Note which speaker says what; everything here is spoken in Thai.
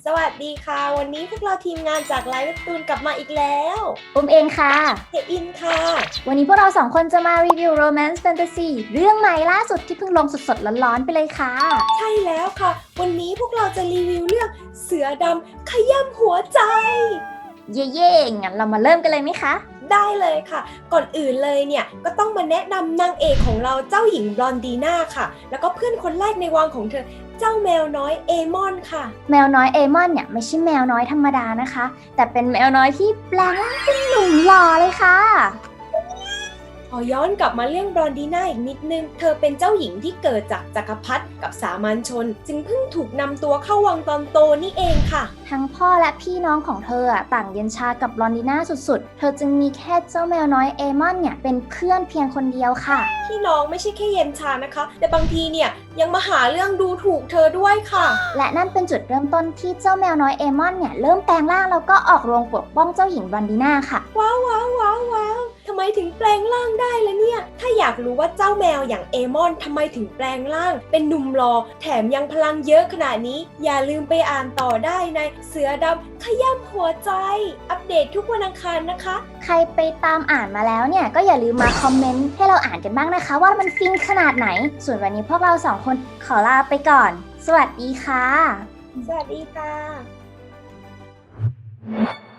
Speaker 1: สวัสดีค่ะวันนี้พวกเราทีมงานจากไลฟ์เว็บตูนกลับมาอีกแล้ว
Speaker 2: อุ้มเองค่ะ
Speaker 1: เฮอินค่ะ
Speaker 2: วันนี้พวกเราสองคนจะมารีวิว Romance Fantasy เรื่องใหม่ล่าสุดที่เพิ่งลงสดๆร้อนๆไปเลยค่ะ
Speaker 1: ใช่แล้วค่ะวันนี้พวกเราจะรีวิวเรื่องเสือดำขย้ำหัวใจ
Speaker 2: เย่ๆงั้นเรามาเริ่มกันเลยไหมคะ
Speaker 1: ได้เลยค่ะก่อนอื่นเลยเนี่ยก็ต้องมาแนะนำนางเอกของเราเจ้าหญิงบลอนดีน่าค่ะแล้วก็เพื่อนคนแรกในวังของเธอเจ้าแมวน้อยเอมอนค่ะ
Speaker 2: แมวน้อยเอมอนเนี่ยไม่ใช่แมวน้อยธรรมดานะคะแต่เป็นแมวน้อยที่แปลงร่างเป็นหนุ่มหล่อเลยค่ะ
Speaker 1: ขอย้อนกลับมาเรื่องบลอนดีน่าอีกนิดนึงเธอเป็นเจ้าหญิงที่เกิดจากจักรพรรดิกับสามัญชนจึงเพิ่งถูกนำตัวเข้าวังตอนโตนี่เองค่ะ
Speaker 2: ทั้งพ่อและพี่น้องของเธอต่างเย็นชากับบลอนดีน่าสุดๆเธอจึงมีแค่เจ้าแมวน้อยเอมอนเนี่ยเป็นเพื่อนเพียงคนเดียวค่ะ
Speaker 1: พี่น้องไม่ใช่แค่เย็นชานะคะแต่บางทีเนี่ยยังมาหาเรื่องดูถูกเธอด้วยค่ะ
Speaker 2: และนั่นเป็นจุดเริ่มต้นที่เจ้าแมวน้อยเอมอนเนี่ยเริ่มแปลงร่างแล้วก็ออกโรงปกป้องเจ้าหญิงบลอนดีน่าค่ะ
Speaker 1: ว้าวว้าวว้าวว้าวทำไมถึงแปลงร่างได้ล่ะเนี่ยถ้าอยากรู้ว่าเจ้าแมวอย่างเอมอนทำไมถึงแปลงร่างเป็นหนุ่มหล่อแถมยังพลังเยอะขนาดนี้อย่าลืมไปอ่านต่อได้ในเสือดำขย้ำหัวใจอัปเดตทุกวันอังคารนะคะ
Speaker 2: ใครไปตามอ่านมาแล้วเนี่ยก็อย่าลืมมาคอมเมนต์ให้เราอ่านกันบ้างนะคะว่ามันฟินขนาดไหนส่วนวันนี้พวกเราสองคนขอลาไปก่อนสวัสดีค่ะ
Speaker 1: สวัสดีค่ะ